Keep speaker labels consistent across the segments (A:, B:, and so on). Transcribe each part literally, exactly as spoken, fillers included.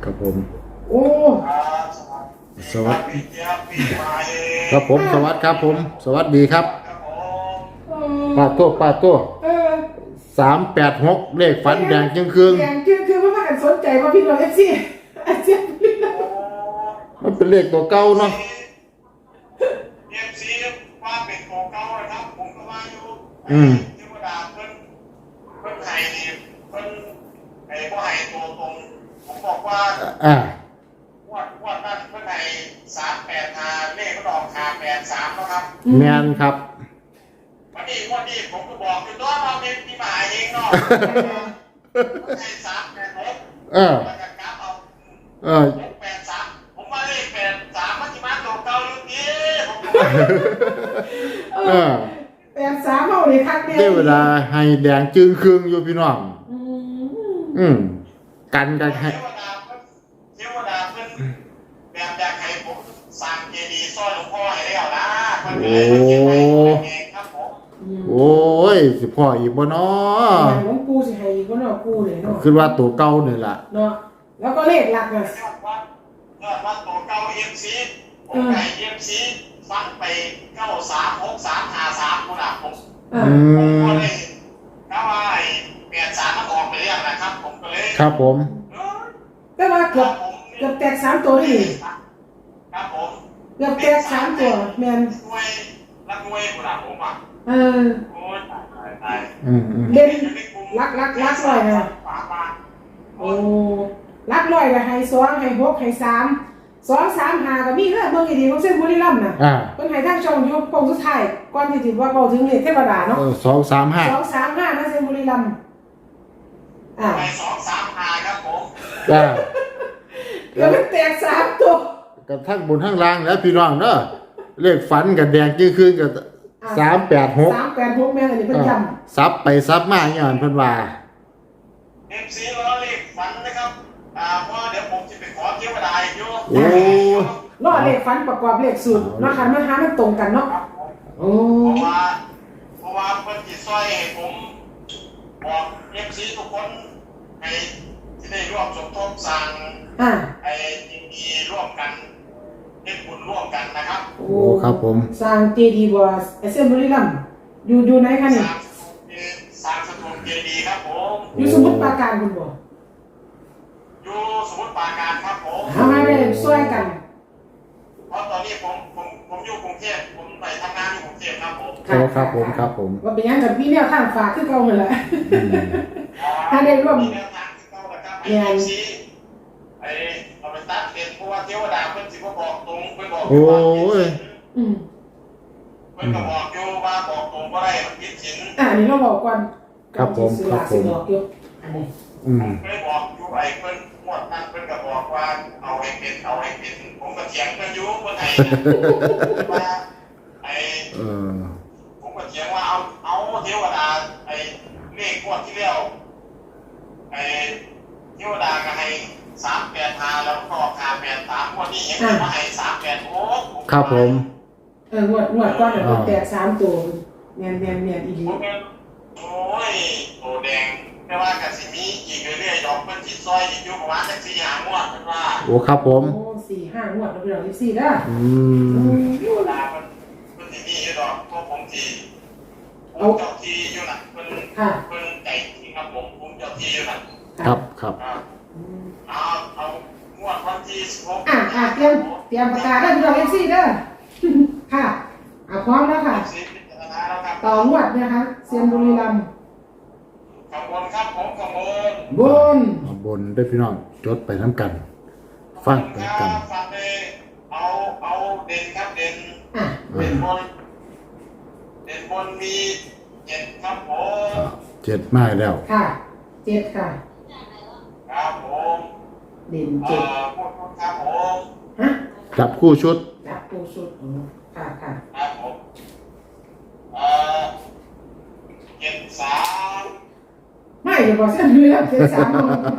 A: ครับผม
B: โอ้
A: สวัสดีครับผมสวัสดีครับผมสวัสดีครับป้าโต้ป้าโต้
B: เออ
A: สามแปดหกเลขฝันแดงจึงคืน
B: แดงจึงคือเพราะว่ากันสนใจว่าพี่น้องเอฟซีอาเซียน
A: มันเป็นเลขตัวเก่าเนาะ
C: เอฟซีว่าเป็นตัวเก่าเลยครับผมก็ว่าอยู่
A: อืม
C: เทวดาเพิ่นเพิ่นไห้นี่เพิ่นไอ้บ่ให้ตัวตรงผมบอกว่า
A: อ่า
C: วัดวัดนั้นเพิ่นให้สามแปดห้าเลขมันออกห้าแปดสามแล้วครับ
A: แมนครับ
C: วันนี้วันนี้ผมก็บอกอยู่ตัวว่าเป็นที่มาเองเนาะให้สามแปดหก
A: เออ
C: แล้วก็กลับเอา
A: เออ
C: หกแปดสามผมว่าเลขแปดสามมันสิมาตัวเก่าอยู่ดีผมก็
A: เออ
B: แปดสามเท่าเลยคักเดียว
A: ได้เวลาให้แดงจึงคืนอยู่พี่น้องอืมกันกันให้
C: เทวดาเพิ่นเทวดาเพิ่นแบบอยากให้ผมสร้างเจดีย์ซอยหลวงพ่อให้แล้วนะเพิ่นเลยมาเก็บไว้เองครับผม
A: โอ้ยสิพ่ออีกบ่เนาะ
B: หลวงปู่สิให้อีกบ่เนาะปู่เลยเนาะ
A: คือว่าตัวเก่านี่ล่ะ
B: เนาะแล้วก็เลขหลักอ่ะ
C: ยอดวัดยอดวัดตัวเก่า เอ็ม ซี ผมให้ เอ็ม ซี ฟังไปเก้าสามหกสามห้าสามพุ่นน่ะผม
A: อื
C: ผมก็
A: ม
C: เลยถ้าว่าไอ้แปดสามมันออกไปแล้วนะครับผมก็เลย
A: ครับผม
B: แต่ว่าเกือบเกือบแตกสามตัวนี่
C: ครับผม
B: เกือบแตกสามตัวแม่น
C: หน่วยรักหน่วยพุ่นน่ะผมอ่ะ
B: เออ
C: โอ้ยตายตายตาย
A: อืม
B: เด่นรักรักรักร้อยนะโอ้รักร้อยก็ให้สองให้หกให้สามสองสามห้าก็มีเด้อเบิ่งให้ดีของเส้นบุรีรัมย์น่ะ
A: อ่า
B: เพิ่นให้ทางช่องอยู่โค้งสุดท้ายก่อนที่สิว่าเว้าถึงเลขเทวดาเนาะ
A: เออสองสามห้า
B: สองสามห้านะเส้นบุรีรัมย์อ่า
C: ไปสองสามห้าครับผม
A: จ้า
B: เดี๋ยวมันแตกสามตัว
A: กับทั้งบนทั้งล่างแล้วพี่น้องเด้อเลขฝันกับแดงจึงคืนกับสามแปดหก
B: สามแปดหกแม่นอันนี้เพิ่นย้ำ
A: ซับไปซับมาอย่างนั้นเพิ่นว่า
C: เอฟซีล้อเลขฝันนะครับอ่าเพราะเดี๋ยวผมจะไปขอเทวดาอยู่
A: โอ้
B: รอเลขฝันประกอบเลขสูตรเนาะคันมันหามันตรงกันเนาะโอ้
C: เพราะว่าเพราะว่าเพิ่นสิซอยให้ผมบอกเอฟซีทุกคนให้ที่ได้ร่วมสมทบสร้าง
B: อ่า
C: ไอ้ดีร่วมกันเฮ็ดบุญร่วมกันนะครับ
A: โอ้ครับผม
B: สร้างเจดีย์บ่ไอ้เส้นบุรีรัมย์อยู่อยู่ไหนคะนี่
C: สร้างสถูปเจดีย์ครับผม
B: อยู่สมุทรปราการคุณบ่
C: อยู่สมุทรปราการครับผม
B: เอามาเลยช่วยกัน
C: เพราะตอนนี้ผมผมผมอยู่กรุงเทพผมไปทำงานอยู่กรุงเทพครับผม
A: โอ้ครับผมครับผม
B: ว่าเป็นยังกับพี่แนวทางฝากคือเก่าหั่นแหละถ้าได้ร่วม
C: มีแนวทางคือเก่าแล้วครับไอ้ซีไอ้เราไปตัดเรียนเพราะว่าเทวดาเพิ่นสิบ่บอกตรงเพิ่นบอกว่า
B: อืม
C: เพิ่นก็บอกอยู่ว่าบอกตรงบ่ได้มันผิดศีล
B: อ่านี่เราบอกก่อน
A: ครับผมครับผม
B: อันนี้
A: อืม
C: เพิ่นบอกอยู่ไอ้เพิ่นงวดนั้นเพิ่นก็บอกว่าเอาให้เป็นเอาให้เป็นผมก็เถียงเพิ่นอยู่เพิ่นให้ว่าไอ้
A: เออ
C: ผมก็เถียงว่าเอาเอาเทวดาไอ้เลขงวดที่แล้วไอ้เทวดาก็ให้สามแปดห้าแล้วก็ห้าแปดสามงวดนี้ยังมาให้สามแปดหก
A: ครับผม
B: เอองวดงวดก่อนน่ะแตกสามตัวแม่นแม่นแม่นอีหลี
C: โอ้ยโตแดงแต่ว่าก็สิมีอีกเรื่อยๆดอกเพิ่นสิซอยอีกอยู่ประมาณจักสี่ห้างวดเพิ่นว่า
A: โอ้ครับผม
B: โอ้สี่ห้างวดแล้วพี่น้องยี่สิบสี่เด้อ
A: อืม
C: เทวดาเพิ่นเพิ่นสิมีอยู่ดอกเพราะผมสิเอาเจ้าที่อยู่น่ะเพิ่นเพิ่นใจจริงครับผมผมเจ้าที่อยู่น่ะ
A: ครับครับ
C: เอาเอางวดวันที่สิบหก
B: อ่าอ่าเตรียมเตรียมประกาศได้พี่น้องยี่สิบสี่เด้อค่ะอ่าพร้อมแล้วค่ะต่องวดนะคะเซียนบุรีรัมย์
C: ขบวนครับผมขบวน
B: บน
A: บนได้พี่น้องจดไปน้ำกันฟังไปกัน
C: ฟังเลยเอาเอาเด่นครับเด่นเด่นบนเด่นบนมีเจ็ดครับผม
A: เจ็ดมาแล้ว
B: ค่ะเจ็ดค่ะ
C: ครับผม
B: เด่นเจ็ด
C: พูดครับผม
B: ฮะ
A: จับคู่ชุด
B: จับคู่ชุดค่ะค่ะ
C: ครับผมเอ่อเจ็ดสาม
B: ไม่อย่าบอกเส้นเลือดเจ็ดสาม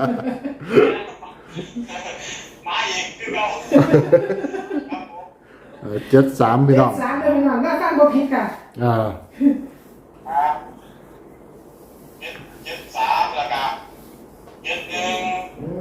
C: มาอีกคือเราครับ
A: ผมเจ็ดสามพี่น้อง
B: เจ็ดสามเลยพี่น้องน่าฟังบ่ผิดค่ะ
A: อ่า
C: ครับเจ็ดเจ็ดสามแล้วก็เจ็ดหนึ่ง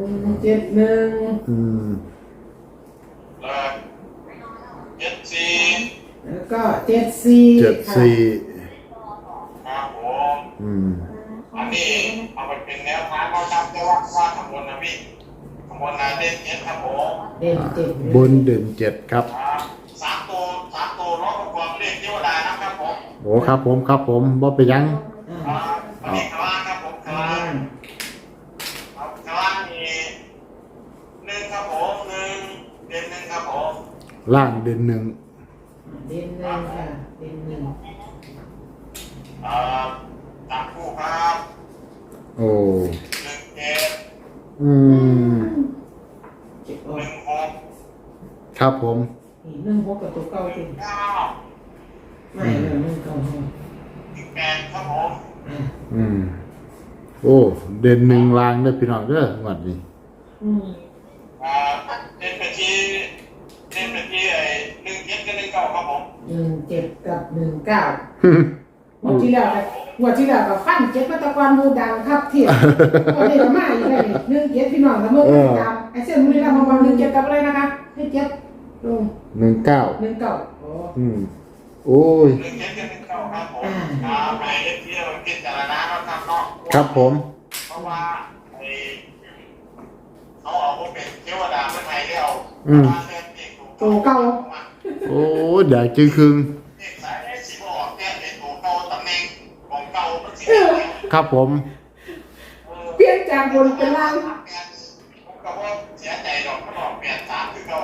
B: เจ็ดหนึ่ง
A: อืม
C: แล้วเจ็ดสี่
B: แล้วก็เจ็ดสี่
A: เจ็ดสี่
C: ครับผม
A: อืม
C: อันนี้เอาไปเป็นแนวทางเขาทำแต่ว่าว่าขบวนนะพี่ขบวนนาเด่นเจ็ดครับผม
B: เด่นเจ็ด
A: บนเด่นเจ็ดครับ
C: ครับสามตัวสามตัวร้องประกอบเลขเทวดานะครับผม
A: โอ้ครับผมครับผมบ่ไปนหยัง
B: อ่า
C: ครับอันนี้ข้างล่างครับผมข้างล่างครับข้างล่างมีหนึ่งครับผมหนึ่งเด่นหนึ่งครับผม
A: ล่างเด่นหนึ่ง
B: เด่นหนึ่งค่ะเด่นหนึ่ง
C: เอ่อจับคู่ครับ
A: โอ้
C: หนึ่งเจ็ด
A: อืม
B: เจ็ดออ
C: ห
B: ก
C: นึ่งหก
A: ครับผม
B: นี่หนึ่งหกกับตัวเก่า
C: ห
B: จริ
C: นึ่
B: ง
C: งเก้า
B: ไม่เลยหนึ่งเก่าห้อง
C: หนึ่งแปดครับผม
B: อ่า
A: อืมโอ้เด่นหนึ่งล่างเด้อพี่น้องเด้อหวัดนี้
B: อืม
C: อ่าเด่นไปที่เด่นไปที่ไอ้หนึ่งเจ็ดกับหนึ่งเก้าครับผม
B: หนึ่งเจ็ดกับหนึ่งเก้า งวดที่แล้วกับงวดที่แล้วกับฟันเจ็ดมาตะกอนมูดังครับเทียบงวดนี้ก็มาอีกแล้วนี่หนึ่งเจ็ดพี่น้องละเมื่อกี้ตามไอ้เส้นมือนี่ละมาหนึ่งเจ็ดกับอะไรนะคะให้เจ็ดลง
A: หนึ่งเก้า
B: หนึ่งเก้าโอ้
A: อืมโอ้ย
C: หนึ่งเจ็ดกับหนึ่งเก้าครับผมอ่าไปเอฟที่เราพิจารณาเราทำเนาะ
A: ครับผม
C: เพราะว่าไอ้เขาเอาพวกเป็นเทวดาเมื่อไทยได้เอา
A: อืม
C: มาเล่นเด็ก
B: โตเก่า
A: โอ้ยแดกจึงครึง
C: เด็กสายได้สิบออกเนี่ยไอ้ตัวเก่าตำแหน่งของเก่ามันสิ
A: ครับผม
B: เปลี่ยนจากบนเป็นล่าง
C: ผมก็ว่าเสียใจดอกมันออกเปลี่ยนสามคือเก่า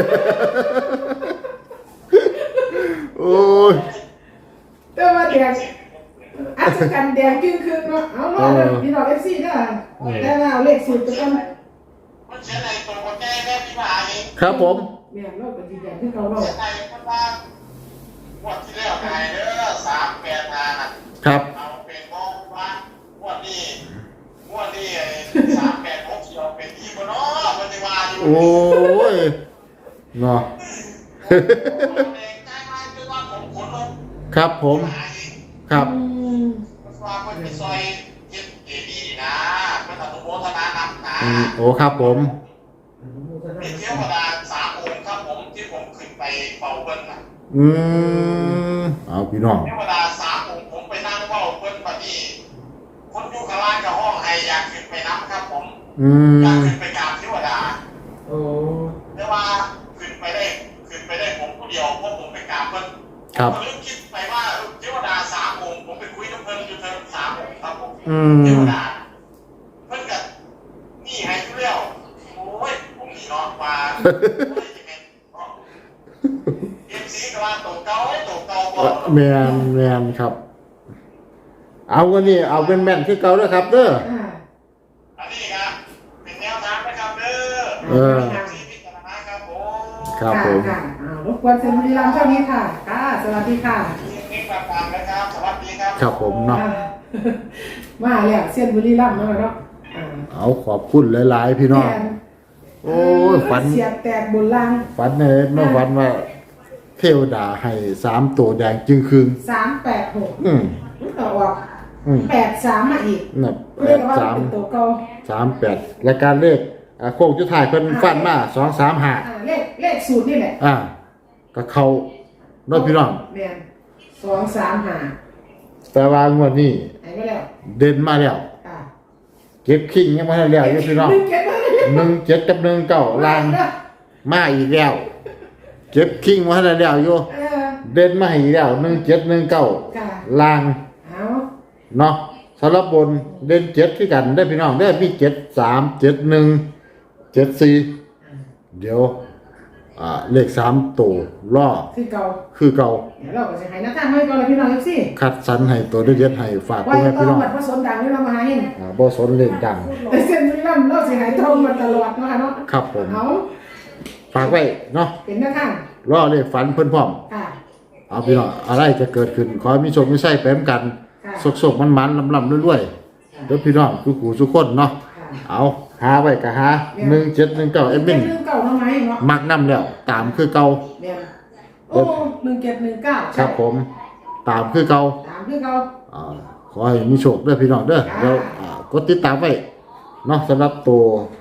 A: โอ้ย
B: แต่ว่าแดงอัศจรรย์แดงจึงคืนเนาะเอาล่ะเลยพี่น้องเอฟซีเด้อแต่ว่าเอาเลขสูตรไปกัน
C: มันเสียใจตัวคนแก่แม่พี่มาเอง
A: ครับผม
B: แม่เราก็สิแดงคือเขาเนาะ
C: เสียใจคนว่างวดที่แล้วไงเด้อสามแปดงานอ่ะ
A: ครับ
C: เอาเป็นมองว่างวดนี้งวดนี้ไอ้สามแปดหกเสียวเป็นที่บนเนาะมันจะมาอยู่
A: โอ้ยเนาะ
C: เองใจมากคือว่าผมขนลง
A: ครับผมครับ
B: อืม
C: มันว่ามันไปซอยเจ็ดเอดีนะมันอนุโมทนานำนะ
A: อืมโอ้ครับผม
C: เป็นเทวดาสามองค์ครับผมที่ผมขึ้นไปเป่าเบิ้ลน่ะ
A: อืมเอาพี่น้อง
C: เทวดาสามองค์ผมไปนั่งเป่าเบิ้ลปะนี่คนอยู่ข้างล่างกับห้องไออยากขึ้นไปน้ำครับผม
A: อื
C: อยาก
A: ม
C: ขึ้นไปกราบเทวดา
B: โอ้
C: แต่ว่าขึ้นไปได้ขึ้นไปได้ผมผู้เดียวเพราะผมไปกราบเบิ้ล
A: ครับ
C: ผมก็เลยคิดไปว่าเทวดาสามองค์ผมไปคุยกับเพิ่นอยู่เทิงสามองค์ครับผม
A: อื
C: เท
A: ม
C: วดาเพิ่นกับนี่ให้ทุเรียวโอ้ยผมนี่เนาะว่าโอ้ยจะเป็นเนาะเอ็มซีก็ว่าตัวเก่าตัวเก่าบ่
A: แมนแมนครับ เอาวันนี้เอาเป็นแม่นคือเก่าแล้วครับเด้อ
B: อ่า
C: อันนี้ครับเป็นแนวทางนะครับเด้อ
A: เออ
C: เอ็มซีพิจารณาครับผม
A: ครับผม
B: ค่ะอ่ารบกวนเซนบุรีรัมย์เท่านี้ค่ะค่ะสวัสดีค่ะ
C: เอ็กซ์แบบตามนะครับสวัสดีครับ
A: ครับผมเนาะ
B: อ่ามาแล้วเส้นบุรีรัมย์เนาะเนาะอ่า
A: เอาขอบคุณหลายๆพี่น้อง
B: แทน
A: โอ้ยฝัน
B: เสียบแตกบนล่าง
A: ฝันในเมื่อวันว่า เทวดาให้สามตัวแดงจึงคืน
B: สามแปดหก
A: อืม
B: ต่อออก
A: อืม
B: แปดสามมาอีก
A: น่ะแป
B: เรียก
A: ด
B: ว่า
A: สาม
B: เป็นตัวเก่า
A: สามแปดรายการเลขอ่าโค้งจุดท้ายเพิ่นฟันมาสองสามห้า
B: อ่าเลขเลขสูตรนี่แหละ
A: อ่าก็เข้าเน้อยพี่น้อง
B: แมนสองสามห้า
A: แต่ว่างวดนี้
B: หายไปแล้ว
A: เด่นมาแล้ว
B: อ่า
A: เก็บคิงยังไม่ได้แล้วอยู่พี่น้อง
B: หนึ่งเก็บไว้
A: หนึ่งเจ็ดกับหนึ่งเก้าลางมาอีกแล้วเก็บคิงมาให้ได้แล้วอยู่
B: เออ
A: เด่นมาให้อีกแล้วหนึ่งเจ็ดหนึ่งเก้า
B: ค่ะ
A: ลาง
B: เอา
A: เนาะสำหรับบนเด่นเจ็ดคือกันได้อพี่น้องได้อมีเจ็ดสามเจ็ดหนึ่งเจ็ดสี่เดี๋ยวอ่าเลขสามตัวล่อ
B: คือเก่า
A: คือเก่า
B: เดี๋ยวเราก็จะให้นักท่านให้ก่อนเลยพี่น้องเอฟซี
A: คัดสรรให้ตัวเด็ดๆให้ฝาก
B: ไว้
A: พ่อแม่
B: ต้อ
A: พี่
B: ง
A: น้อง
B: บัดผสมดังนี่เรามาหาเอง
A: อ่าบ่สนเล่นดัง
B: แต่เส้นบุรีรัมย์เราสิหายทองมาตลอดเนาะค่ะเนาะ
A: ครับผม
B: เอา
A: ฝากไว้เนาะ
B: เป็นนักท่าน
A: รอเลขฝันเพิ่นพร้อม
B: ค่ะ
A: เอาพี่น้องอะไรจะเกิดขึ้นขอให้มีโชคมีชัยไปเหมือนกัน
B: ค่ะ
A: สกๆมันๆลำๆรวยๆเด้อพี่น้องทุกผู้ทุกคนเนาะ
B: ค่ะ
A: เอาหาไว้ก็หาหนึ่งเจ็ดหนึ่งเก้าเอ็มบิน
B: เรื่องเก่าทำไมเนาะ
A: มักนํแล้วตามคือเก่า
B: เรียนโอ้หนึ่งเจ็ดหนึ่งเก้า
A: ครับผมตามคือเก่า
B: ตามคือเก่า
A: อ่าขอให้มีโชคเด้อพี่น้องเด้อ
B: ค่ะ
A: เดี๋ยวอ่ากดติดตามไว้เนาะสำหรับตัว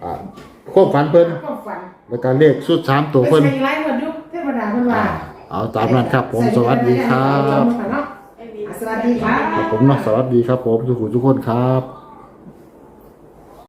A: อ่าความฝันเพิ่น
B: ความฝัน
A: แล้วก็เลขสุดสามตัว
B: ไป
A: เพิ่น
B: ใส่ไลฟ์หมดยุคเทวดาเพิ่นว่า
A: อ่าเอาตามนั้นครับผมสวัสดีครับ
B: สวัสดีครับ
A: ผมเนาะสวัสดีครับผมทุกคนทุกคนครับ